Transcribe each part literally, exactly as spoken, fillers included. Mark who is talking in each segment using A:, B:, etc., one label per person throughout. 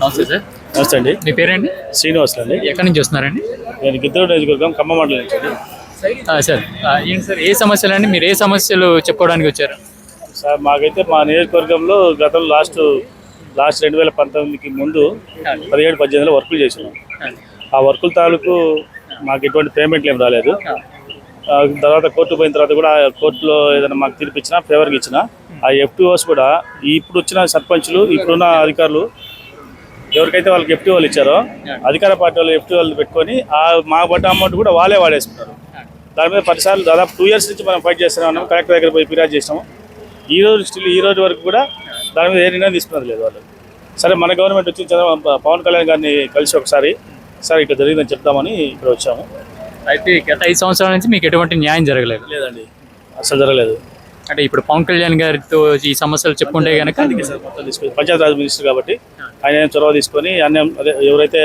A: నమస్తే సార్.
B: నమస్తే అండి.
A: మీ పేరండి?
B: శ్రీనివాస్ అండి.
A: ఎక్కడి నుంచి వస్తున్నారండి?
B: నేను గిద్దరు నియోజకవర్గం ఖమ్మం మండలం నుంచి అండి.
A: సార్ ఏంటి సార్, ఏ సమస్యలు అండి? మీరు ఏ సమస్యలు చెప్పుకోవడానికి వచ్చారు?
B: సార్ మాకైతే మా నియోజకవర్గంలో గతంలో లాస్ట్ లాస్ట్ రెండు వేల పంతొమ్మిదికి ముందు పదిహేడు పద్దెనిమిదిలో వర్కులు చేసినాం. ఆ వర్కుల తాలూకు మాకు ఎటువంటి పేమెంట్లు ఏం రాలేదు. తర్వాత కోర్టు పోయిన తర్వాత కూడా కోర్టులో ఏదైనా మాకు తీర్పు ఇచ్చినా ఫేవర్కి ఇచ్చినా ఆ ఎఫ్టీఓస్ కూడా ఇప్పుడు వచ్చిన సర్పంచ్లు ఇప్పుడున్న అధికారులు ఎవరికైతే వాళ్ళకి ఎఫ్టీ వాళ్ళు ఇచ్చారో అధికార పార్టీ వాళ్ళు ఎఫ్టీ వాళ్ళు పెట్టుకొని ఆ మా పడ్డ అమౌంట్ కూడా వాళ్ళే వాడేసుకున్నారు. దాని మీద పదిసార్లు దాదాపు టూ ఇయర్స్ నుంచి మనం ఫైట్ చేస్తూనే ఉన్నాం. కలెక్టర్ దగ్గర పోయి ఫిర్యాదు చేసినాము. ఈ రోజు స్టిల్ ఈ రోజు వరకు కూడా దాని మీద ఏ నిర్ణయం తీసుకున్నది లేదు వాళ్ళు. సరే మన గవర్నమెంట్ వచ్చి పవన్ కళ్యాణ్ గారిని కలిసి ఒకసారి సార్ ఇట్లా జరిగిందని చెప్తామని ఇక్కడ వచ్చాము.
A: అయితే గత ఐదు సంవత్సరాల నుంచి మీకు ఎటువంటి న్యాయం జరగలేదు?
B: లేదండి, అసలు జరగలేదు.
A: అంటే ఇప్పుడు పవన్ కళ్యాణ్ గారితో ఈ సమస్యలు చెప్పుకుంటే కనుక
B: మొత్తం తీసుకొని పంచాయతీరాజ్ మినిస్టర్ కాబట్టి ఆయన చొరవ తీసుకొని అన్ని అదే ఎవరైతే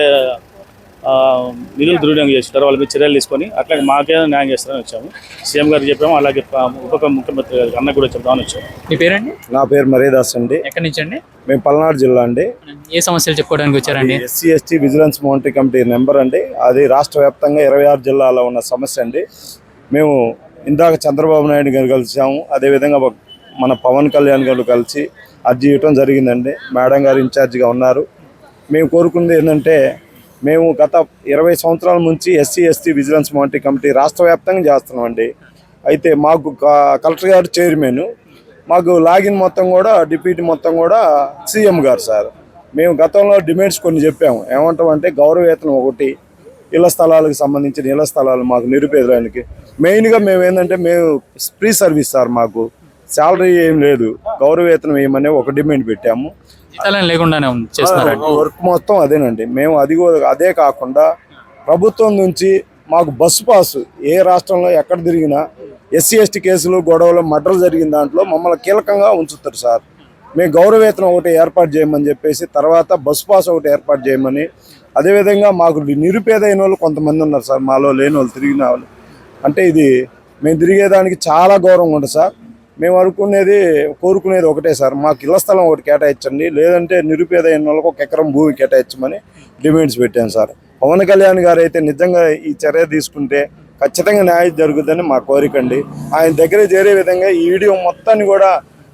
B: నిధులు దుర్వినియోగం చేస్తుంటారో వాళ్ళ మీద చర్యలు తీసుకొని అట్లాగే మాకేదో న్యాయం చేస్తారని వచ్చాము. సీఎం గారు చెప్పాము, అలాగే ఉప ముఖ్యమంత్రి గారికి అన్న కూడా చెప్తామని వచ్చాము.
A: మీ పేరండి?
C: నా పేరు మరీదాస్ అండి.
A: ఎక్కడి నుంచి అండి?
C: మేము పల్నాడు జిల్లా అండి.
A: ఏ సమస్యలు చెప్పుకోవడానికి వచ్చారండి?
C: SC ST vigilance monitory committee number అండి. అది రాష్ట్ర వ్యాప్తంగా ఇరవై ఆరు జిల్లాలో ఉన్న సమస్య అండి. మేము ఇందాక చంద్రబాబు నాయుడు గారు కలిసాము, అదేవిధంగా మన పవన్ కళ్యాణ్ గారు కలిసి అర్జీ ఇవ్వటం జరిగిందండి. మేడం గారు ఇన్ఛార్జిగా ఉన్నారు. మేము కోరుకున్నది ఏంటంటే, మేము గత ఇరవై సంవత్సరాల నుంచి SC ST vigilance monitory committee రాష్ట్ర వ్యాప్తంగా చేస్తున్నామండి. అయితే మాకు కలెక్టర్ గారు చైర్మన్, మాకు లాగిన్ మొత్తం కూడా డిప్యూటీ మొత్తం కూడా సీఎం గారు సార్. మేము గతంలో డిమాండ్స్ కొన్ని చెప్పాము. ఏమంటామంటే గౌరవవేతనం ఒకటి, ఇళ్ల స్థలాలకు సంబంధించిన ఇళ్ల స్థలాలు మాకు నిరుపేదడానికి మెయిన్గా మేము ఏంటంటే మేము ఫ్రీ సర్వీస్ సార్, మాకు శాలరీ ఏం లేదు, గౌరవవేతనం ఏమనే ఒక డిమాండ్ పెట్టాము.
A: లేకుండానే
C: వర్క్ మొత్తం అదేనండి. మేము అది అదే కాకుండా ప్రభుత్వం నుంచి మాకు బస్సు పాసు ఏ రాష్ట్రంలో ఎక్కడ తిరిగినా ఎస్సీ ఎస్టీ కేసులు గొడవలు మర్డర్లు జరిగిన దాంట్లో మమ్మల్ని కీలకంగా ఉంచుతారు సార్. మేము గౌరవవేతనం ఒకటి ఏర్పాటు చేయమని చెప్పేసి, తర్వాత బస్సు పాస్ ఒకటి ఏర్పాటు చేయమని, అదేవిధంగా మాకు నిరుపేదైన వాళ్ళు కొంతమంది ఉన్నారు సార్, మాలో లేని వాళ్ళు తిరిగిన వాళ్ళు. అంటే ఇది మేము తిరిగేదానికి చాలా గౌరవం ఉంటుంది సార్. మేము అనుకునేది కోరుకునేది ఒకటే సార్, మాకు ఇళ్ల స్థలం ఒకటి కేటాయించండి, లేదంటే నిరుపేదైన వాళ్ళకి ఒక ఎకరం భూమి కేటాయించమని డిమాండ్స్ పెట్టాను సార్. పవన్ కళ్యాణ్ గారు అయితే నిజంగా ఈ చర్య తీసుకుంటే ఖచ్చితంగా న్యాయం జరుగుతుందని మా కోరికండి. ఆయన దగ్గర చేరే విధంగా ఈ వీడియో మొత్తాన్ని కూడా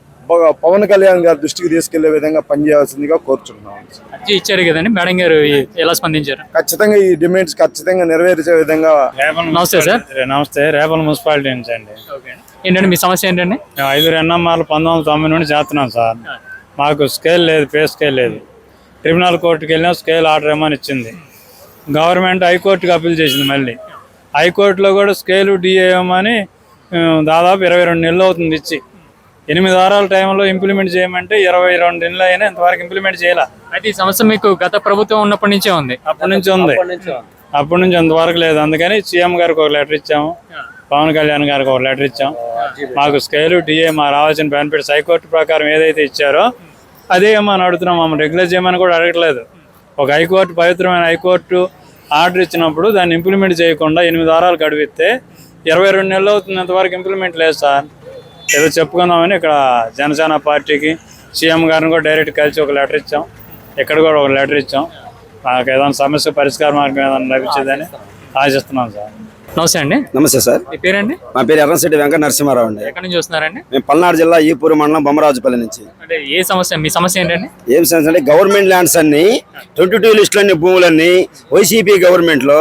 C: పవన్ కళ్యాణ్ గారి దృష్టికి తీసుకెళ్లే విధంగా పనిచేయాల్సిందిగా కోరుచున్నాం.
A: ఇచ్చారు కదండి, మేడం గారు ఎలా స్పందించారు?
C: ఖచ్చితంగా ఈ డిమాండ్స్ ఖచ్చితంగా నెరవేర్చే విధంగా.
A: నమస్తే సార్.
B: నమస్తే, రేపల్ మున్సిపాలిటీ నుంచి అండి.
A: ఏంటండి మీ సమస్య ఏంటండి?
B: మేము ఐదుగురు ఎన్ఎంఆర్లు పంతొమ్మిది వందల తొంభై నుండి చేస్తున్నాం సార్. మాకు స్కేల్ లేదు, పే స్కేల్ లేదు. ట్రిబ్యునల్ కోర్టుకి వెళ్ళినా స్కేల్ ఆర్డర్ ఏమని ఇచ్చింది. గవర్నమెంట్ హైకోర్టుకి అప్పీల్ చేసింది. మళ్ళీ హైకోర్టులో కూడా స్కేలు డిఏమని దాదాపు ఇరవై రెండు నెలలు అవుతుంది ఇచ్చి. ఎనిమిది వారాల టైంలో ఇంప్లిమెంట్ చేయమంటే ఇరవై రెండు నెలలు అయినా ఇంతవరకు ఇంప్లిమెంట్ చేయాల.
A: అయితే ఈ సమస్య మీకు గత ప్రభుత్వం ఉన్నప్పటి నుంచే ఉంది?
B: అప్పటి నుంచి ఉంది, అప్పటి నుంచి అంతవరకు లేదు. అందుకని సీఎం గారికి ఒక లెటర్ ఇచ్చాము, పవన్ కళ్యాణ్ గారికి ఒక లెటర్ ఇచ్చాం. మాకు స్కేలు డిఏ మా రావాల్సిన బెనిఫిట్స్ హైకోర్టు ప్రకారం ఏదైతే ఇచ్చారో అదే ఏమని అడుగుతున్నాం. మమ్మల్ని రెగ్యులర్ చేయమని కూడా అడగట్లేదు. ఒక హైకోర్టు, పవిత్రమైన హైకోర్టు ఆర్డర్ ఇచ్చినప్పుడు దాన్ని ఇంప్లిమెంట్ చేయకుండా ఎనిమిది వారాలు గడిపిస్తే ఇరవై రెండు నెలలు అవుతుంది, అంతవరకు ఇంప్లిమెంట్ లేదు సార్. ఏదో చెప్పుకుందామని ఇక్కడ జనసేన పార్టీకి సీఎం గారిని కూడా డైరెక్ట్ కలిసి ఒక లెటర్ ఇచ్చాం. ఇక్కడ కూడా ఒక లెటర్ ఇచ్చాం. మాకు ఏదైనా సమస్య పరిష్కార మార్గం ఏదైనా లభించేదని ఆశిస్తున్నాం సార్.
A: నమస్తే అండి.
D: నమస్తే సార్.
A: మీ పేరండి?
D: మా పేరు ఎర్రంశెట్టి వెంకట నరసింహారావు అండి.
A: ఎక్కడి నుంచి వస్తున్నారండి?
D: మేము పల్నాడు జిల్లా ఈపూరు మండలం బొమ్మరాజుపల్లి నుంచి.
A: అంటే ఏ సమస్య, మీ సమస్య ఏంటండి?
D: ఏం సమస్య అంటే గవర్నమెంట్ ల్యాండ్స్ అన్ని ట్వంటీ టూ లిస్టులన్నీ భూములన్నీ వైసీపీ గవర్నమెంట్లో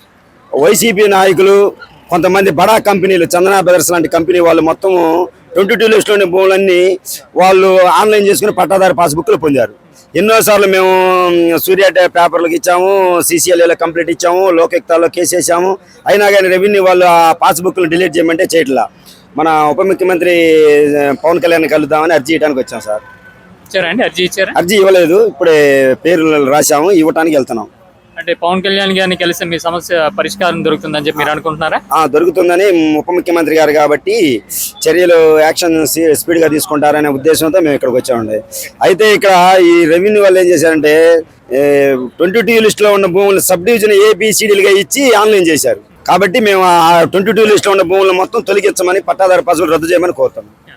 D: వైసీపీ నాయకులు కొంతమంది బడా కంపెనీలు, చందనా బ్రదర్స్ లాంటి కంపెనీ వాళ్ళు మొత్తం ట్వంటీ టూ లిస్టులోని భూములన్నీ వాళ్ళు ఆన్లైన్ చేసుకుని పట్టాదారు పాస్బుక్లు పొందారు. ఎన్నోసార్లు మేము సూర్య పేపర్లకు ఇచ్చాము, సీసీఎల్ఏలో కంప్లీట్ ఇచ్చాము, లోకెక్తాల్లో కేసు వేసాము. అయినా కానీ రెవెన్యూ వాళ్ళు ఆ పాస్బుక్లు డిలీట్ చేయమంటే చేయట్లా. మన ఉప ముఖ్యమంత్రి పవన్ కళ్యాణ్ కలుద్దామని అర్జీ ఇవ్వడానికి వచ్చాం సార్.
A: ఇచ్చారండి? అర్జీ ఇచ్చారా?
D: అర్జీ ఇవ్వలేదు, ఇప్పుడే పేర్లు రాసాము, ఇవ్వటానికి వెళ్తున్నాం.
A: అంటే పవన్ కళ్యాణ్ గారిని కలిసి మీ సమస్య పరిష్కారం దొరుకుతుందని చెప్పి మీరు అనుకుంటున్నారా?
D: దొరుకుతుందని ఉప ముఖ్యమంత్రి గారు కాబట్టి చర్యలు యాక్షన్ స్పీడ్ గా తీసుకుంటారనే ఉద్దేశంతో మేము ఇక్కడికి వచ్చామండి. అయితే ఇక్కడ ఈ రెవెన్యూ వాళ్ళు ఏం చేశారంటే ట్వంటీ టూ లిస్ట్ లో ఉన్న భూములు సబ్ డివిజన్ ఏబిసిడీలుగా ఇచ్చి ఆన్లైన్ చేశారు. కాబట్టి మేము ఆ ట్వంటీ టూ లిస్ట్ లో ఉన్న భూములు మొత్తం తొలగించమని, పట్టాదారు పాసులు రద్దు చేయమని కోరుతాం.